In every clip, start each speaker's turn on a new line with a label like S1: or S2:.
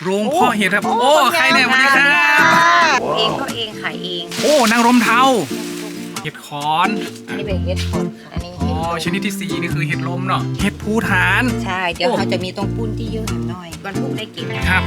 S1: โรงเพาะเห็ดครับโอ้ใครเนี่ยสวัสดีครับ
S2: เองก็เองขายเอง
S1: โอ้นางรมเทาเห็ดขอน
S2: อันนี้เป็นเห็ดขอนค่ะอันนี้
S1: อ๋อชนิดที่4นี่คือเห็ดลมเนาะเห็ดภูฐาน
S2: ใช่เดี๋ยวเขาจะมีตรงปุ้นที่เยอะหน่อยวันพุธได้กิน
S1: ครับ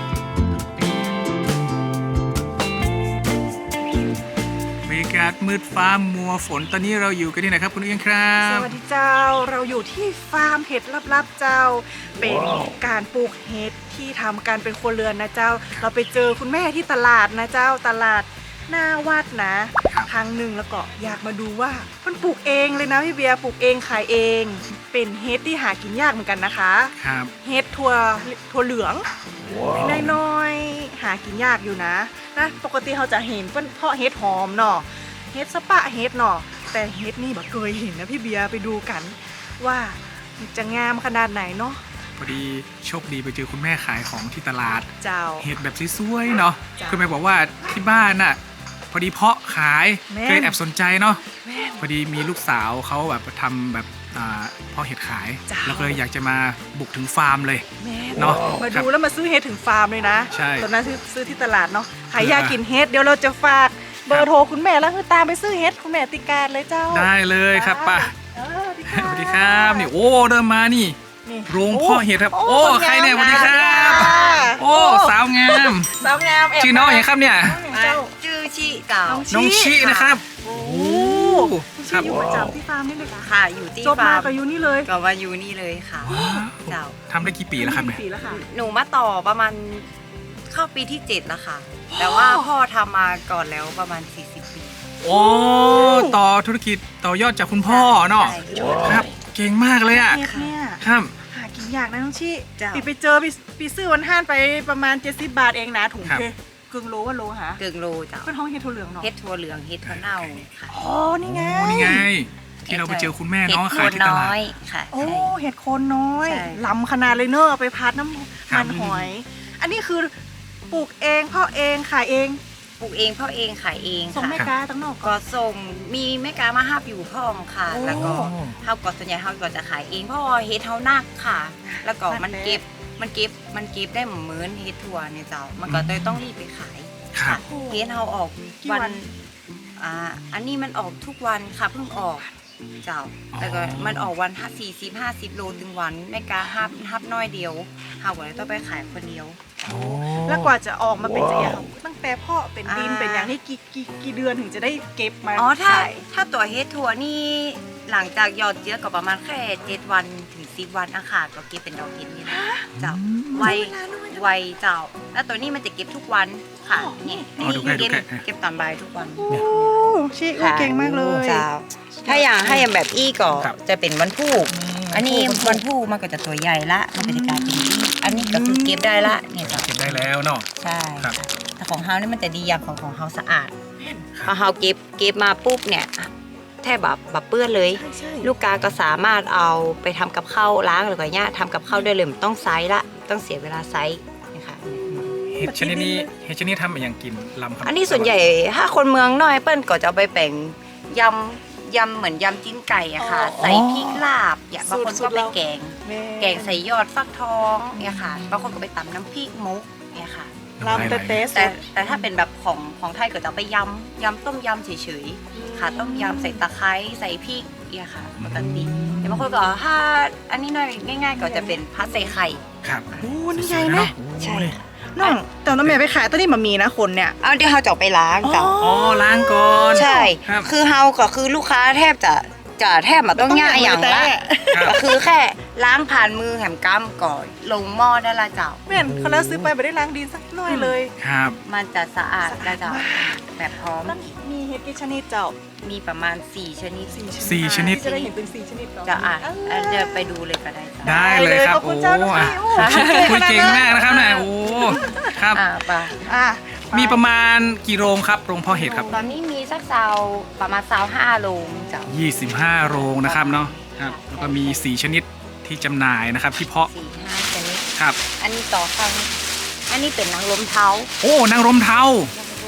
S1: บรรยากาศมืดฟ้ามัวฝนตอนนี้เราอยู่กันที่ไหนครับคุณเอียงครับ
S3: สวัสดีเจ้าเราอยู่ที่ฟาร์มเห็ดลับๆเจ้าเป็นการปลูกเห็ดที่ทำกันเป็นครัวเรือนนะเจ้าเราไปเจอคุณแม่ที่ตลาดนะเจ้าตลาดหน้าวัดนะครั้งหนึ่งแล้วก็อยากมาดูว่ามันปลูกเองเลยนะพี่เบียร์ปลูกเองขายเองเป็นเห็ดที่หากินยากเหมือนกันนะคะ
S1: ครับ
S3: เห็ดถั่วเหลืองน้อยๆหากินยากอยู่นะปกติเราจะเห็นเพาะเห็ดหอมเนาะเห็ดสปะเห็ดเนาะแต่เห็ดนี่แบบเคยเห็นนะพี่เบียร์ไปดูกันว่าจะงามขนาดไหนเนาะ
S1: พอดีโชคดีไปเจอคุณแม่ขายของที่ตลาด
S3: เจ้า
S1: เห็ดแบบสวยๆเนาะคุณแม่บอกว่าที่บ้านน่ะพอดีเพาะขายเคยแอบสนใจเนาะพอดีมีลูกสาวเขาแบบทำแบบเพาะเห็ดขายแล้วก็เลยอยากจะมาบุกถึงฟาร์มเลยเนาะ
S3: มาดูแล้วมาซื้อเห็ดถึงฟาร์มเลยนะ
S1: ใช่
S3: ตอนนั้นซื้อที่ตลาดเนาะใครอยากกินเห็ดเดี๋ยวเราจะฝากเบอร์โทรคุณแม่แล้วคือตามไปซื้อเห็ดคุณแม่ติการเลยเจ้า
S1: ได้เลยครับป้าสวัสดีครับนี่โอ้เริ่มมานี่โรงเพาะเห็ดครับโอ้ใครเนี่ยสวัสดีครับโอ้สาวงามชื่อน้องอย่างครับเนี่ย
S2: ชื่อชิเก่า
S1: น้องชินะครับ
S3: โอ้ชิอยู่ประจำที่ฟาร์มนี่เลยค่ะ
S2: ค่ะอยู่ที่
S3: จบมากับยูนี่เลย
S2: ก็ว่าอยู่นี่เลยค่ะเจ้า
S1: ทำได้กี่ปีแล้วครับเนี่ย
S3: ปีแล้วค่ะ
S2: หนูมาต่อประมาณเข้าปีที่7แล้วค่ะแต่ว่าพ่อทำมาก่อนแล้วประมาณ40 ปี
S1: โอ้ต่อธุรกิจต่อยอดจากคุณพ่อเนาะครับเก่งมากเลยอ่ะ
S3: เนี่ย
S1: ครับ
S3: หากินยากนะน้องชิปีไปเจอปีซื้อวันห้านไปประมาณ70 บาทเองนะถุงเพกึ่งโลว่าโลหะ
S2: กึ่งโลจ้ะ
S3: เป็นห้องเห็ดถั่วเหลืองเนาะ
S2: เห็ดถั่วเหลืองเห็ดถั่วเน่าค่ะ
S3: อ๋อนี่ไง
S1: ที่เราไปเจอคุณแม่น้องขายที่ตลาด
S2: ค่ะ
S3: โอ้เห็ดโคนน้อยล้ำขนาดเลยเนอะเอาไปพัดน้ำมันหอยอันนี้คือปลูกเองเพาะเองขายเอง
S2: ปลูกเองเพาะเองขายเอง
S3: ส่งแม่ค้าตั้งนอก
S2: ก็ส่งมีแม่ค้ามาห้าบอยู่พ่อมค่ะแล้วก็เฮาก็ส่วนใหญ่เฮาก็จะขายเองเพราะเฮ็ดเฮานักค่ะ แล้วก็มันเก็บได้เหมือนเฮ็ดถั่วเนี่ยเจ้ามันก็เลยต้องรีบไปขาย
S1: ค่ะ
S2: เฮ็ดเฮาออกวันอันนี้มันออกทุกวันค่ะเพิ่งออกเจ้าแล้วก็มันออกวัน40-50 โลถึงวันแม่ค้าฮับน้อยเดียวเฮาก็เลยต้องไปขายคนเดียว
S3: แล้วกว่าจะออกมาเป็นจะอย่างตั้งแต่พ่อเป็นดินเป็นอย่างนี้กี่เดือนถึงจะได้เก็บมา
S2: ถ้าตัวเฮ็ดถั่วนี่หลังจากหยอดเจือก็ประมาณแค่7 วันถึง10 วันอาคารก็เก็บเป็นดอกเห็ดนี่เจ้าไวเจ้าแล้วตัวนี้มันจะเก็บทุกวันค่ะนี่เก็บตอนบ่ายทุกวัน
S3: โอ้ชิเก่งมากเลย
S2: เจ้าถ้าอย่างแบบอี้ก็จะเป็นวันพุธอันนี้วันพุธมันก็จะตัวใหญ่ละมันก็จะกลายเป็นอี้อันนี้ก็คือเก็บได้ละเนี่ย
S1: เก็บได้แล้วเนาะ
S2: ใช่แต่ของเฮานี่มันจะดีอย่างของเฮาสะอาดพอเฮาเก็บมาปุ๊บเนี่ยแทบแบบเปื้อนเลยลูกค้าก็สามารถเอาไปทำกับข้าวล้างหรือก็เนี่ยทำกับข้าวได้เลยไม่ต้องไซส์ละต้องเสียเวลาไซส์นะคะ
S1: เห็ดชนิดนี้ทำอย่างกินลำครับ
S2: อันนี้ส่วนใหญ่ถ้าคนเมืองน้อยเปิ้ลก็จะเอาไปแบ่งยำเหมือนยำจิ้นไก่อะค่ะใส่พริกลาบอย่างบางคนก็ไปแกงใส่ยอดฟักทองเนี่ยค่ะบางคนก็ไปตำน้ำพริกมุกเนี่ยค่ะ
S3: ลำ
S2: แต่ถ้าเป็นแบบของไทยก็จะไปยำต้มยำเฉยๆค่ะต้มยำใส่ตะไคร้ใส่พริกเนี่ยค่ะปกติแต่บางคนก็ถ้าอันนี้หน่อยง่ายๆก็จะเป็นพัดใส่ไข่
S1: ครับ
S3: โอ้นี่ไงไหม
S2: ใช่
S3: น้องแต่น้องแม่ไปขายตอนนี้มันมีนะคนเนี่ย
S2: เอาเดี๋ยวเขาจะไปล้างจ้ะ
S1: ล้างก่อน
S2: ใช่คือเฮาก็คือลูกค้าแทบมาต้องง่ายอย่างละก็คือแค่ล้างผ่านมือแหมก้ามก่อนลงหม้อได้ละเจ้า
S3: แม่นเขาแล้วซื้อไปไม่ได้ล้างดินสักหน่อยเลย
S1: ครับ
S2: มันจะสะอาดได้เจ้าแบบพร้อม
S3: มีเห็ดกี่ชนิดเจ้า
S2: มีประมาณ4 ชนิด
S1: 4 ชนิด
S3: จะได้เห็นเป็น4 ชนิด
S2: จะจะไปดูเลยก็ได้
S1: ได้เลยครับโอ้คุยเก่งมากนะครับนายโอ้ครับมีประมาณกี่โรงครับโรงเพาะเห็ดครับ
S2: ตอนนี้มีสักประมาณ25 โรงเจ้า
S1: 25 โรงนะครับเนาะครับแล้วก็มี4 ชนิดที่จำหน่ายนะครับที่เพาะ
S2: 4-5 ชนิด
S1: ครับ
S2: อันนี้ต่อฟังอันนี้เป็นนางรมเทา
S1: โอ้นางรมเทา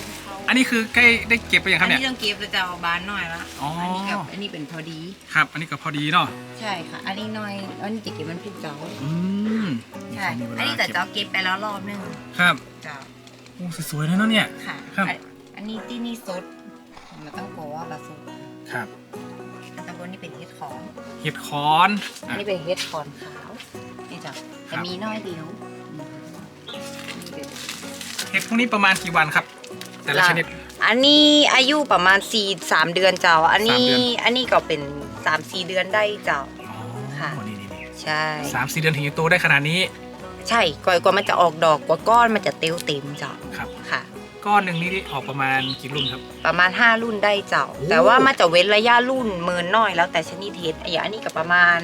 S1: อันนี้คือใกล้ได้เก็บไปยังค
S2: อั
S1: รับ
S2: น
S1: เนี่ย
S2: นี้ต้องเก็บแล้วจะเอาบานหน่อยละ
S1: อ๋ออั
S2: นนี้กับอันนี้เป็นพอดี
S1: ครับ อันนี้ก็พอดีเนาะ
S2: ใช่ค่ะ อันนี้หน่อยอันนี้จะเก็บมันพริกเจ้า
S1: อืม
S2: ใช่
S1: มีเวลา
S2: อันนี้แต่เจ้าเก็บไปแล้วรอบนึง
S1: ครับ
S2: เจ้า
S1: โอ้สวยๆเลยเนาะเนี่ย
S2: ค่ะ
S1: ครับ
S2: อันนี้ที่นี่สดมันต้องบอกว่าบาสด
S1: ครับ
S2: อันตะบนนี่เป็นเห็ดขอน
S1: เห็ดขอน
S2: อัน
S1: อ่ะ
S2: นี้เป็นเห็ดขอนขาวนี่จ้ะ
S1: ครั
S2: จะ
S1: บ
S2: มีน้อยเดียวนี่เป็น
S1: เห็ดพวกนี้ประมาณกี่วันครับ แต่ละชนิด
S2: อันนี้อายุประมาณ3 เดือนเจ้า อันนี้
S1: 3 เดือน
S2: อันนี้ก็เป็น3-4 เดือนได้เจ้า
S1: อ๋อ
S2: ค่ะ
S1: นี่
S2: ใช่
S1: 3-4 เดือนถึงจะโตได้ขนาดนี้
S2: ใช่กว่ามันจะออกดอกกว่าก้อนมันจะเต็มเจ้า
S1: ครับ
S2: ค่ะ
S1: ก้อนหนึ่งนี่ออกประมาณกี่รุ่นครับ
S2: ประมาณ5 รุ่นได้เจ้า
S1: โอ้
S2: แต่ว่ามันจะเว้นระยะรุ่นเมินน้อยแล้วแต่ชนิดเห็ดอย่างอันนี้ก็ประมาณ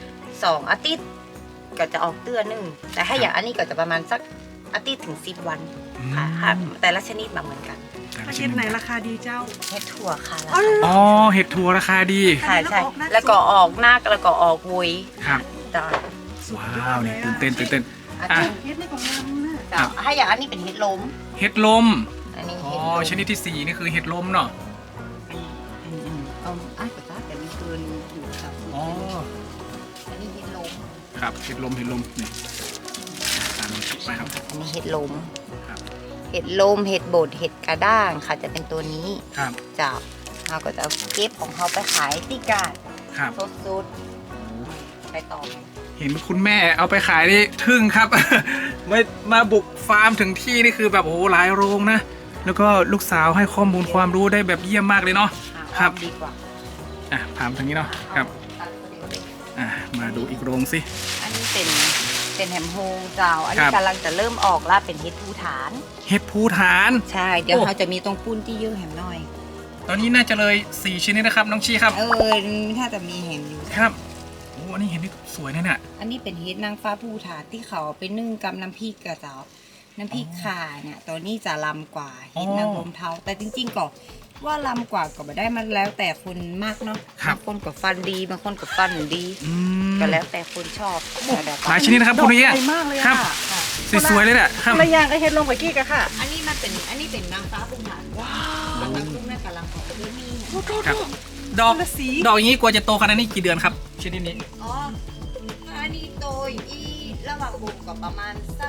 S2: 2 อาทิตย์ก็จะออกเตื้อนึงแต่ถ้าอย่างอันนี้ก็จะประมาณสักอาทิตย์ถึง10 วันค่ะ
S1: อืม
S2: แต่ละชนิดมาเหมือนกัน
S1: แต่ละ
S3: ประ
S1: ช
S3: เท
S1: นิ
S3: ศ
S1: ด
S3: ไหนราคาดีเจ้า
S2: เห็ดถั่วค่ะ
S3: อ๋อเหร
S1: อ๋อ เห็ดถั่วราคาดี
S2: ใช่ใช่
S3: แล้
S2: แล้ว
S3: วก็
S2: ก็
S3: อ
S2: อ
S3: อ
S2: อก กหน้าแล้วก็ออกวุย
S1: ครับ
S2: จ้า
S3: สุดยอ
S1: ว้า
S3: ด
S1: ว
S3: เล
S1: นี่
S3: ย
S1: ตื่นเต้น
S2: อัน
S1: อ่ะ
S2: นี้
S3: เฮ็ดในของงามนะ
S2: จ้าถ้าอย่างอันนี้เป็นเห็ดลม
S1: เห็ดลม
S2: อันนี้
S1: อ๋อ
S2: เห็ดลม
S1: ชนิดที่ 4 นี่คือเห็ดลมเนาะ
S2: เอาอ่ะแต่แต่มีเกินอยู่จ้า
S1: อ๋อ
S2: อันนี้เห็ดลม
S1: ครับ เห็ดลมนี่ตามคลิปไปครับ
S2: อันนี้เห็ดลม
S1: ครับ
S2: เห็ดลมเห็ดบดเห็ดกระด้างค่ะจะเป็นตัวนี้
S1: ครับ
S2: จ้าเราก็จะเอาเก็บของเขาไปขายที่กาด
S1: ครับ
S2: สดๆไปต่อ
S1: เห็นคุณแม่เอาไปขายนี่ทึ่งครับ มาบุกฟาร์มถึงที่นี่คือแบบโอ้โหหลายโรงนะ แล้วก็ลูกสาวให้ข้อมูลความรู้ได้แบบเยี่ยมมากเลยเนาะ ครับ
S2: ดีกว่า
S1: อ่ะพามทางนี้เนาะ ครับ
S2: ตัดตัวเดียวเลย
S1: อ่ะ มาดูอีกโรงสิ
S2: อันนี้เป็นแฮมโฮงเจ้า อัน
S1: ค
S2: นี้
S1: รับ
S2: กำลังจะเริ่มออกแล้วเป็นเห็ดภูฐาน
S1: เห็ดภูฐาน
S2: ใช่ เดี๋ยว
S1: โอ้
S2: เขาจะมีตรงปุ้นที่ยื่อแฮมหน่อย
S1: ตอนนี้น่าจะเลย4ชนิดนะครับ น้องชีครับ
S2: ถ้าจะมีเห็นอยู่
S1: ครับ โอ้อันนี้เห็นนี่สวยนะเนี่ย
S2: อันนี้เป็นเฮ็ดนางฟ้าภูฐานที่เขาเอาไปนึ่งกับน้ำพริกกระเจ้า น้ำพริกข่าเนี่ยตัวนี้จะลำกว่าเฮ็ดนางรมเทาแต่จริงๆก็ว่าลำกว่าก็ไม่ได้มันแล้วแต่คนมากเนาะ
S1: ครับ
S2: บางคนก็ฟันดีบางคนก็ฟันดี
S1: อืม
S2: ก็แล้วแต่คนชอบแล้ว
S1: หลายชนิดนะครับพวกนี้
S3: ด
S1: อ่ะ
S3: อกใหญ่มากเลย
S1: ครั
S3: อ่ะ
S1: บ
S2: ค่ะ
S1: สวยๆเลยเนี่ยครับ
S3: คนละอย่างก็เฮ็ดลงไปกี้กันค่ะ
S2: อันนี้เป็นนางฟ้าภูฐานว้าวแล้วก็แม่กำลังของเรื่องนี้
S3: โทษโทษ
S1: ครับ
S3: โทษ
S1: ดอก
S3: คนละสี
S1: ดอกอย่างนี้กว่าจะโตขนาดนี้กี่เดือนครับชนิดนี้
S2: อ๋ออันนี้โตอีระหว่างบุกก็ประมาณสัก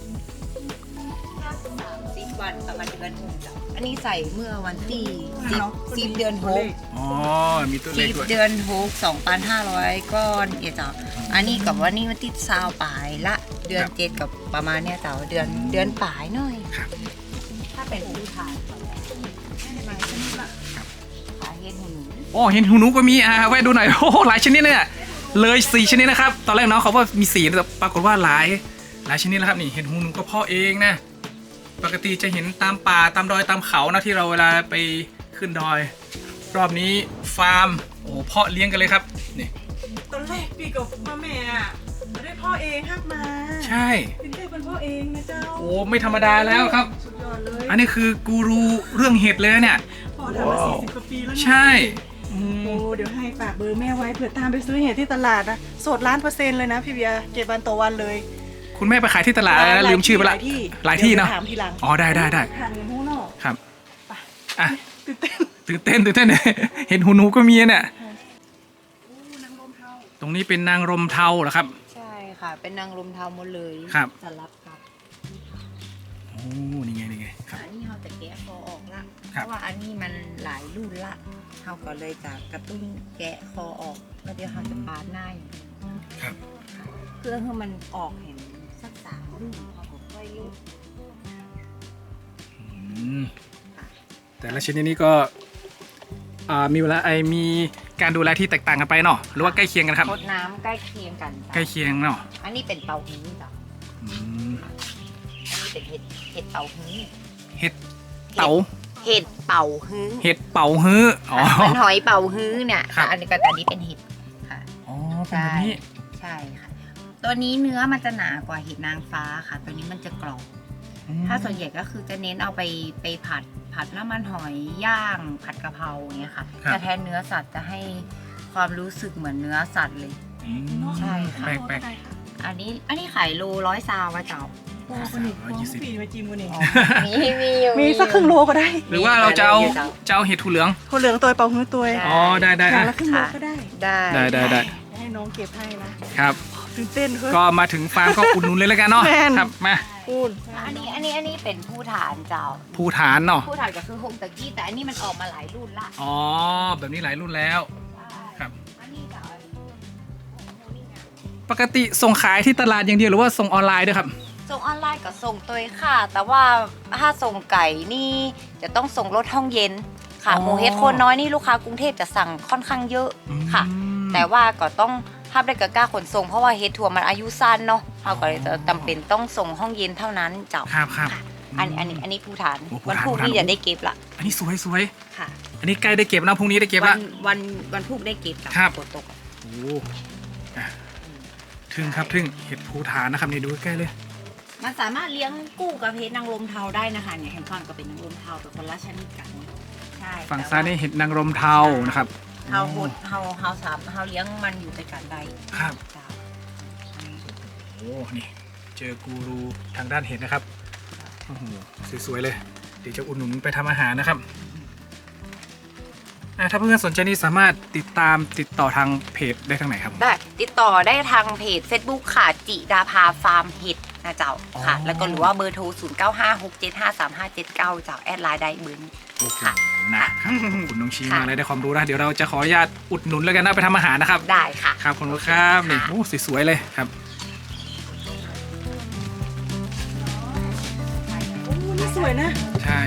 S2: 30 วันประมาณเดือนหนึ่งจ้ะอันนี้ใส่เมื่อวันที่10เดือนหก
S1: อ๋อ มีตัวเลขด้วย
S2: 10 เดือน6 2,500 ก้อนเอ๋จ้ะอันนี้กับว่านี่มันติดซาวปลายละเดือน
S1: ครับ
S2: 7กับประมาณเนี้ยจ้ะเดือนปลายหน่อย
S1: ครับ
S2: ถ้าเป็นผู้ทานขายเฮ็ดหูหนู
S1: โอ้เห็นหูหนูก็มีแวะดูหน่อย โอ้โหหลายชนิดเลยอะเลย4ชนิดนะครับ ตอนแรกน้องเขาว่ามี4แต่ปรากฏว่าหลายชนิดแล้วครับนี่เห็นหูหนูก็เพาะเองนะ ปกติจะเห็นตามป่าตามดอยตามเขานะที่เราเวลาไปขึ้นดอย รอบนี้ฟาร์มโอ้เพาะเลี้ยงกันเลยครับนี่
S3: ตอนแรกปีกับมาแม่อ่ะไม่ได้พ่อเองฮักมา
S1: ใช่
S3: เป็นได้เป็นพ่อเองนะเจ้า
S1: โอ้ไม่ธรรมดาแล้วครับ
S3: สุดยอดเลย
S1: อันนี้คือกูรูเรื่องเห็ดเลยนะเนี่ย
S3: พ่อทำมา40 กว่าปีแล้วนะ
S1: ใช่อืม
S3: โอ้เดี๋ยวให้ฝากเบอร์แม่ไว้เผื่อตามไปซื้อเห็ดที่ตลาดนะสด1,000,000%เลยนะพี่เบียร์เก็บวันต่อวันเลย
S1: คุณแม่ไปขายที่ตลาดแล้วลืมชื่อไปละหลายที่เนาะ
S3: ดี๋วไปถามทีหลัง
S1: อ๋อได้
S3: ถามอย่างนู้นเนาะ
S1: ครับ
S3: ไป
S1: อ่ะ
S3: ตื่นเต้น
S1: ตื่นเต้น เห็นหูหนูก็มีเนี่ย
S3: อู้นางรมเทา
S1: ตรงนี้เป็นนางรมเทาเหรอครับ
S2: ใช่ค่ะ เป็นนางรมเทาหมดเลย
S1: ครับ
S2: สลับกับ
S1: โอ้นี่ไงครับ
S2: อันนี้เราจะแกะคอออกละเพ
S1: ครับ
S2: ราะว่าอันนี้มันหลายรุ่นละเราก็เลยจะกระตุ้นแกะคอออกแล้วเดี๋ยวเราจะปาดหน้าอย่างนี้
S1: ครับ
S2: เพื่อให้มันออกเห็นสัก3 รุ่นเขาก็ค่อยลุก
S1: อืมแต่ละชนิดนี้ก็มีเวลามีการดูแลที่แตกต่างกันไปเนาะหรือว่าใกล้เคียงกันครับ
S2: รดน้ำใกล้เคียงกันจ้ะ
S1: ใกล้เคียงเนาะ
S2: อันนี้เป็นเตาหู้จ้ะ
S1: อืม
S2: อันนี้เป็นเห็ดเตาหู้
S1: เห็ดเต๋า
S2: เห็ดเป่าฮื้อ
S1: เห็ดเป่าฮื้ออ๋อ
S2: มันหอยเป่าฮื้อเนี่ย
S1: ครับ
S2: อันนี้เป็นเห็ดค่ะ
S1: อ๋อเป็นแบบนี้
S2: ใช่ค่ะ ตัวนี้เนื้อมันจะหนากว่าเห็ดนางฟ้าค่ะ ตัวนี้มันจะกรอบ ถ้าส่วนใหญ่ก็คือจะเน้นเอาไปผัดน้ำมันหอยย่าง ผัดกะเพราอย่างเงี้ยค่ะ
S1: ครับ
S2: แต่แทนเนื้อสัตว์จะให้ความรู้สึกเหมือนเนื้อสัตว์เลย
S1: อืม
S2: ใช่ค่ะ
S1: แปลก
S2: อันนี้ขายโล100 ซาวะเจ้า
S3: โอ้คนนี้ของปีมาจิ้มคนนี้
S2: มีอยู่
S3: มีสักครึ่งโลก็ได้
S1: หรือว่าเราจะเอาเห็ดถั่วเหลือง
S3: คนเหลืองตัวเป่าหื้อตัว
S1: อ๋อได้ได้
S3: อย่าง
S1: อ่ะ
S3: ละครึ่งโลก็ได้
S2: ได้
S3: ให้น้องเก็บให้นะครับ ตื่นเต้นเฮ้ย
S1: ก็มาถึงฟาร์มก็อุดหนุนเลยแล้วกันเนาะ
S3: แม่น
S1: ครับมา
S3: พูด
S2: อันนี้เป็นผู้ฐานเจ้า
S1: ภูฐานเนาะ
S2: ผู้ฐานก็คือโฮมตะกี้แต่อันนี้มันออกมาหลายรุ่นละ
S1: อ๋อแบบนี้หลายรุ่นแล้ว ครับ
S2: อันนี้ก็
S1: ปกติส่งขายที่ตลาดอย่างเดียวหรือว่าส่งออนไลน์ด้วยครับ
S2: ส่งออนไลน์ก็ส่งตัวค่ะ แต่ว่าถ้าส่งไก่นี่จะต้องส่งรถห้องเย็นค่ะ
S1: อ๋อ
S2: หมูเฮ็ดโคนน้อยนี่ลูกค้ากรุงเทพจะสั่งค่อนข้างเยอะค่ะ
S1: อืม
S2: แต่ว่าก็ต้องห้ามได้กับกล้าขนส่งเพราะว่าเฮ็ดทัวร์มันอายุสั้นเนาะเราก็เลยจะจำเป็นต้องส่งห้องเย็นเท่านั้นเจ้า
S1: ครับครับ
S2: ค่ะอันนี้ผู้ฐาน
S1: โอ้ผู้
S2: วัน
S1: ฐาน
S2: พรุ่ง
S1: ผู้ฐาน
S2: นี้จะได้เก็บละ
S1: อันนี้สวยสวย
S2: ค่ะ
S1: อันนี้ใกล้ได้เก็บแล้วพรุ่งนี้ได้เก็บ
S2: วั
S1: ละ
S2: นพรุ่งได้เก็บกับ
S1: ครับ
S2: ฝนตกอะ
S1: โอ้อ่ะทึ่งครับทึ่งเห็ดภูฐานนะครับนี่ดูใกล้ๆเลย
S2: มันสามารถเลี้ยงกู้กับเห็ดนางรมเทาได้นะคะเนี่ยเห็นฟังก็เป็นนางรมเทาแต่คนละชนิดกันใช่
S1: ฝั่งซ้ายนี่เห็ดนางรมเทานะครับ
S2: เฮาหุดเฮาสามเฮาเลี้ยงมันอยู่ในการใด
S1: ครับ
S2: เจ้า
S1: โอ้นี่เจอกูรูทางด้านเห็ดนะครับโอ้โหสวยๆเลยเดี๋ยวจะอุดหนุนไปทำอาหารนะครับถ้าเพื่อนๆสนใจนี่สามารถติดต่อทางเพจได้ทางไหนครับ
S2: ได้ติดต่อได้ทางเพจ Facebook ค่ะจิดาภาฟาร์มเห็ดนะเจ้าค่ะ
S1: อ๋อ
S2: แล้วก็หรือว่าเบอร์โทร 0956753579 เจ้าแอดไลน์ได้เบอร์นี้
S1: โอเค
S2: ค่ะ
S1: นะครับขอบคุณน้องชี
S2: ค่ะ
S1: มากเลยได้ความรู้นะเดี๋ยวเราจะขออนุญาตอุดหนุนแล้วกันนะไปทำอาหารนะครับ
S2: ได้ค่ะ
S1: ครับขอบคุณครับนี่
S2: ค่ะ
S1: โอ้สวยๆเลยครับ
S3: โอ้นี่สวยนะ
S1: ใช่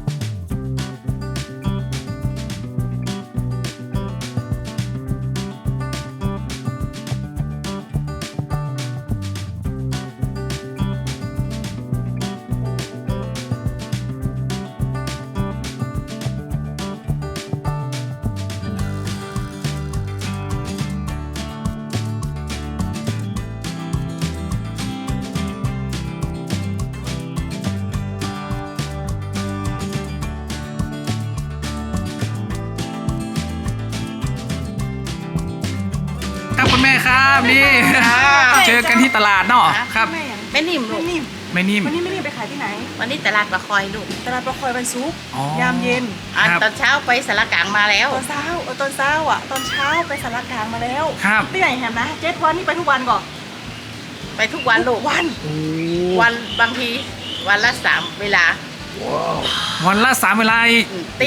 S1: ครับคุณแม่ครับนี่เจอกันที่ตลาดเนาะครับ
S3: แม่อย่าง
S4: แม่นิ่มลู
S3: ไม่
S4: ก
S3: นิ่ม
S1: ไม่นิ่ม
S3: วันนี้ไม่นิ่มไปขายที่ไหน
S4: วันนี้ตลาดประคอยลูก
S3: ตลาดประคอยวันซุกร์
S1: อ๋อ
S3: ยามเย็น
S1: ครับ
S4: ตอนเช้าไปสารกลางมาแล้ว
S3: ตอนเช้าตอนเช้าอ่ะตอนเช้าไปสารกลางมาแล้ว
S1: ครับ
S3: ที่ไหนแฮมนะ7 วันนี่ไปทุกวันก่อน
S4: ไปทุกวันลูก
S3: วัน
S1: โอ้
S4: วันบางทีวันละ3เวลา
S1: วันละ3เวลาอีก
S4: ตี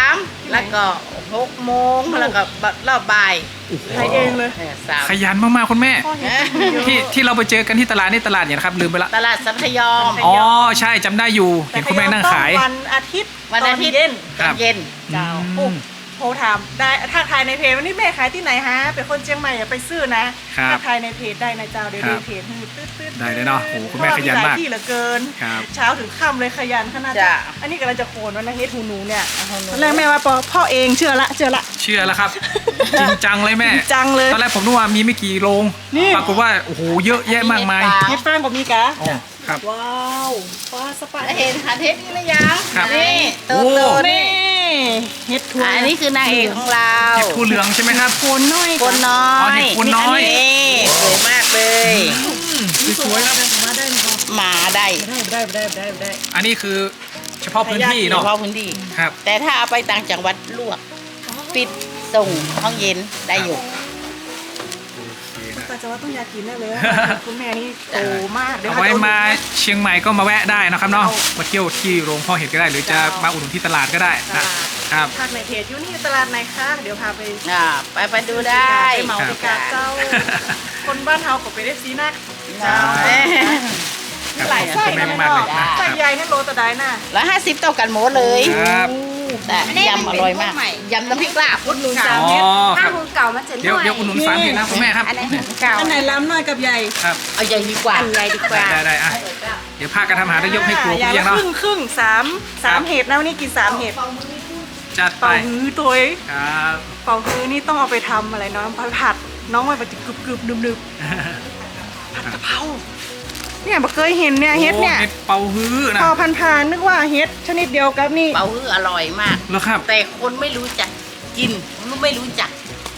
S4: 3แล้วก็6 โมงแล้วก็รอบบ่าย
S3: ขายเองเลย
S4: สาม
S1: ขยันมากๆคุณแม่
S3: พ่อเห็นเยอะ
S1: ที่เราไปเจอกันที่ตลาดนี่ตลาดเนี่ยนะครับลืมไปละ
S4: ตลาดสัพยอม
S1: อ๋อใช่จำได้อยู่เห็นคุณแม่นั่งขาย
S3: แต่วันอาทิตย์
S4: วันอาทิตย์
S3: ตเย็น
S4: ตอนเย็น
S3: เจ้า
S1: อืม
S3: โอ้โทรถามได้ถ้าขายในเพจวันนี้แม่ขายที่ไหนฮะเป็นคนเชียงใหม่อย่าไปซื้อนะครับ ถ้าขายในเพจได้นะเจ้าเดี๋ยว
S1: ครั
S3: ดู
S1: บ
S3: เพจให้ตืดๆ
S1: ได้เลยเนาะโอ้โหคุณแม่ขยันมาก
S3: เพระว่หลที่เหลือเกิน
S1: ครับ
S3: เช้าถึงค่ำเลยขยันขนาด
S4: จ้ะ
S3: อันนี้กำลังจะโคนวันนะเฮ็ดหูหนูเนี่ยตอนแรกแม่ว่าพ่อเองเชื่อละ
S1: เชื่อแล้วครับ จริงจังเลยแม่
S3: จริงจังเลย
S1: ตอนแรกผมนึกว่ามีไม่กี่โรง
S3: นี่
S1: ปรากฏว่าโอ้โหเยอะแยะมากมาย
S3: เฮ็ดฟางกับมีกะ
S1: อ๋อครับ
S3: ว้าวฟ้าสปา
S4: เห็นคันเทปนี้หรือยัง
S1: ครับ
S4: นี่
S1: โอ้
S4: โตๆ
S3: นี่
S4: นี่
S3: เฮ็ดถั่ว
S4: อันนี้คือนางเอกของเรา
S1: เห็ดผู้เหลืองใช่ไหมครับ
S3: โคนน้อย
S4: คนน้อ
S1: อ๋อย เห็ดคนน้อย
S4: นี่สวยมากเลย
S1: สวยๆครับ
S3: มาได้ไหมครับ
S4: มาได้
S3: ได้
S1: อันนี้คือเฉพาะพื้นที่
S4: เฉ
S1: เนาะ
S4: พาะพื้นที่
S1: ครับ
S4: แต่ถ้าเอาไปต่างจังหวัดลวก ปิดส่งห้องเย็นได้อยู่
S1: โอเคนะ
S3: แต่จะว่าต้องอยากกินแน่เลย คุณแม่นี่โตมาก
S1: เอาไว้มาเชียงใหม่ก็มาแวะได้นะครับเนาะมาเที่ยวที่โรงพ่อเห็ดก็ได้ หรือจะมาอุดหนุนที่ตลาดก็ได้นะครับ
S3: ภาคในเพจอยู่นี่ตลาดไหนคะเดี๋ยวพาไป
S4: ไปดูได้
S3: ไปเหมาพิกาเจ้า คนบ้านเฮาก็ไปได้ซีนัก
S1: ใช่
S3: หลายไส้
S1: ขอบ
S3: นะ
S1: คุณ
S3: แม่
S1: มากเลย
S3: เนาะ
S1: นะค
S3: ไส้
S1: รับ
S3: ใหญ่ให้โลตะไดน่ะ
S4: 150เท่ากันหมดเลย
S1: ครับ
S4: แต่ยำอร่อยมากยำน้ำพริกลาบ
S3: อุดหนุน
S1: อ๋
S3: 3
S1: อ
S3: เม็ด
S1: ค
S2: ถ้า
S1: รับ
S2: หูเก่ามันจะ
S1: เดี๋ยวอุดหนุน3เห็ดนะคุณแม่ครับ
S2: อันไหนหูเก่า
S3: อันไหนล้ำน้อยกับใหญ่
S1: ครับ
S4: เอาใหญ่ดีกว่า
S2: อันใหญ่ดีกว่า
S1: ได้อ่ะเดี๋ยวพากันทำอาหารได้ยกให้ครัว
S3: อ
S1: คุณ
S3: ย่าง
S1: เลี้ย
S3: ละ
S1: งเนาะ
S3: ครึ่งสามเห็ดนะวันนี้กิน3เห็ด
S1: จัดไป
S3: เป่าฮื้อตัวเอง
S1: ครับ
S3: เป่าฮื้อนี่ต้องเอาไปทำอะไรเนาะไปผัดน้องมันจะกรึบๆนึบๆผัดกะเพราเนี่ยบ่เคยเห็นเนี่ยเฮ็ดเนี่ย
S1: โอ้เห็ดเป่าฮื้อนะ
S3: พอพันๆนึกว่าเฮ็ดชนิดเดียวกับนี่
S4: เป่าฮื้ออร่อยมาก
S1: แล้วครับ
S4: แต่คนไม่รู้จักกินไม่รู้จัก
S1: อ๋อ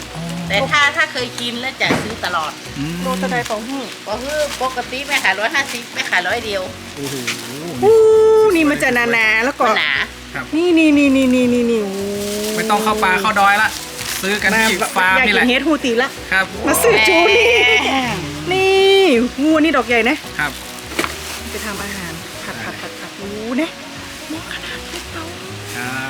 S4: แต่ถ้าเคยกินแล้วจะซื้อตลอด
S3: โลตะไดเป่าหู้
S4: ก็คือปกติแม่ขาย150แม่ขาย100เดียว
S1: โอ้โห
S3: อู้นี่มันจะหนาๆแล้วก็
S4: มันหนา
S1: ครับ
S3: นี่โอ้
S1: ไม่ต้องเข้าป่าเข้าดอยละซื้อกันที่ฟาร์ม
S3: อยาก
S1: นี่แห
S3: กิ
S1: ละ
S3: นเฮ็ดฮูตีละ
S1: ครับ
S3: มาซื้อจูนี่นี่งูนี่ดอกใหญ่นะครับ ไปทำอาหารผัดอู้เนี่ยมองขนาดนี้เตา
S1: ครับ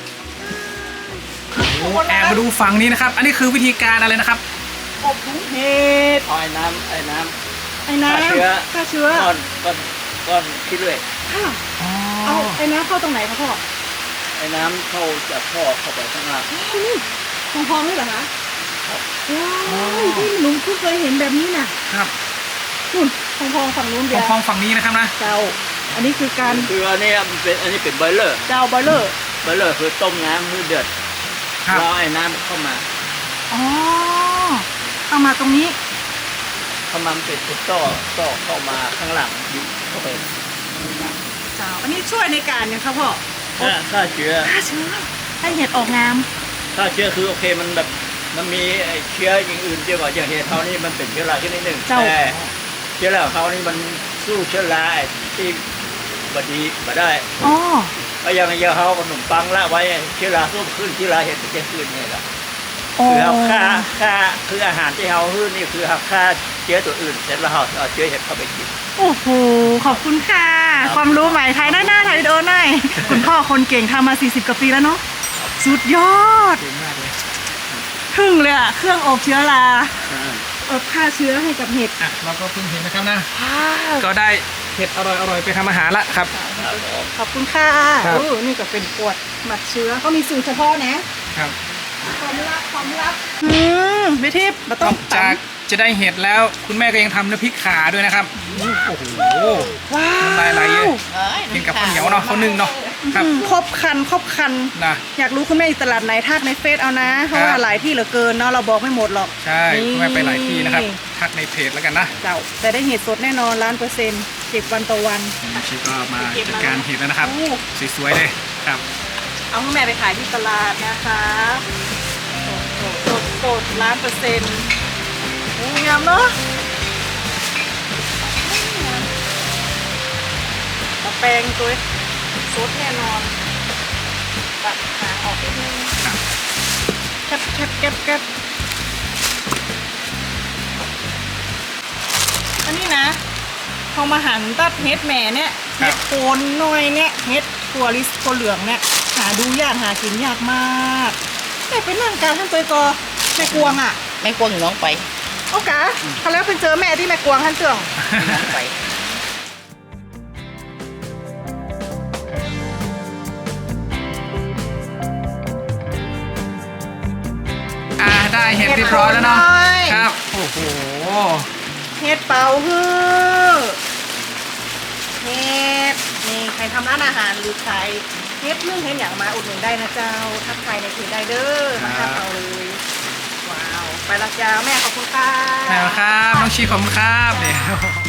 S1: โอ้แอบมาดูฝั่งนี้นะครับ อันนี้คือวิธีการอะไรนะครับ
S3: อบถุงเห็ด
S5: เอาไอ้น้ำ
S3: ไอ้น้
S5: ฆ่าเชื้อ
S3: ำฆ่าเชื้อ
S5: ก้อนที่เรื่อย
S3: ค่ะเอาไอ้น้ำเข้าตรงไหนคะพ่อ
S5: ไอ้น้ำเข้าจากท่อเข้าไปข้างล่าง
S3: นี่พองๆนี่เหรอคะว้าวที่หนูเพิ่งเคยเห็นแบบนี้น่ะ
S1: ครับ
S3: นู่นพองๆฝั่งนู้นเดียว
S1: พองๆฝั่งนี้นะครับนะ
S3: เจ้า อันนี้คือการ
S5: คืออันนี้มันเป็นอันนี้เป็นบอยเลอร์
S3: เจ้าบอยเลอร์
S5: บอยเลอร์คือต้มน้ำมือเดือด
S1: ครับ
S5: เราไอ้น้ำเข้ามา
S3: อ๋อเอามาตรงนี้
S5: เข้ามามันเป็นต่อเข้ามาข้างหลังอยู่เข้าไป
S3: เจ้า อันนี้ช่วยในการยังครับพ่อ
S5: ฆ่าเชื้อ
S3: ฆ่าเชื้อให้เห็ดออกงาม
S5: ฆ่าเชื้อคือโอเคมันแบบมันมีไอ้เชื้ออย่างอื่นเยอะกว่าอย่างเห็ดเขานี่มันเป็นเชื้อราชนิดหนึ่ง
S3: เจ้า
S5: แต่เชื้อราของเขานี่มันสู้เชื้อราที่บดีมาได้
S3: อ๋อ
S5: ก็ยังเขาขนมปังละไว้เชื้อราสู้ขึ้นเชื้อราเห็ดมันจะขึ้นนี่แหละ
S3: อ๋อ
S5: คือเอาค่าคืออาหารที่เขาฮื้อนี่คือเอาค่าเชื้อตัวอื่นเสร็จแล้วเราเอาเชื้อเห็ดเข้าไปกิน
S3: โอ้โห ขอบคุณค่ะ ความรู้ใหม่ไทยหน้าไทยวิดีโอหน่อยคุณพ่อคนเก่งทำมา 40 กว่าปีแล้วเนาะ สุดยอด
S1: เก่งมากเลย
S3: ทึ่งเลยอะเครื่องอบเชื้อราอบฆ่าเชื้อให้กับเห็ด
S1: อ่ะเราก็เพิ่งเห็นนะครับนะ ก็ได้เห็ดอร่อยๆไปทำอาหารละครับ
S3: ขอบคุณค่ะ
S1: ครับ
S3: นี่ก็เป็นขวดหมักเชื้อเขามีสูตรเฉพาะนะครับ ความลับไม่ทิพย์มา
S1: น
S3: ต้อ
S1: อง กจากจะได้เห็ดแล้วคุณแม่ก็ยังทำน้ำพริกขาด้วยนะครับ โอ้โห
S3: ว้าว
S1: น้ำลายไหลเยอะ กินกับข้าวเหนียวเนาะข้าวนึ่งเนาะครับ
S3: ครบคัน
S1: นะ
S3: อยากรู้คุณแม่อยู่ตลาดไหนทักในเฟซเอานะ เพราะว่าหลายที่เหลือเกินเนาะเราบอกไม่หมดหรอก
S1: ใช่คุณแม่ไปหลายที่นะครับ ทักในเพจแล้วกันนะ
S3: เจ้าแต่ได้เห็ดสดแน่นอน1,000%เก็บวันต่อวัน
S1: ชิก็มาจัดการเห็ดแล้วนะครับ
S3: โอ้
S1: สวยๆเลยครับ
S3: เอาให้แม่ไปขายที่ตลาดนะคะสด1,000%งามเนาะตะแปรงตัวสดแน่นอนตัดหางออกนิดนึง
S1: ครับ
S3: แก็บอันนี้นะพอมาหั่นตัดเฮ็ดแหม่เนี่ย
S1: ครั
S3: เฮ็
S1: บ
S3: ดโคนหน่อยเนี่ยเฮ็ดถั่วลิสถั่วเหลืองเนี่ยหาดูยากหากินยากมากแต่เป็นนั่งการท่านตัวกอแม่กวงอ่ะ
S4: ไม่กลัวน้องไป
S3: เอากะเขาแล้วเป็นเจอแม่ที่แม่กวงท่านเตือง
S4: น้องไป
S1: ได้เห็ดเรียบร้อยแล้วเนาะครับ โอ้โห
S3: เฮ็ดเป่าฮือเฮ็ดนี่ใครทำร้านอาหารหรือใครเฮ็ดนึ่งเฮ็ดอย่างมาอุดหนุนได้นะเจ้าทักทายในเพจได้เด้อมา
S1: ครั
S3: ทั
S1: บ
S3: กเราเลยว้าวไปละจ้าแม่ขอบคุณค่ะ
S1: แล้วครับ น้องชีขอบคุณครับเดี๋ยว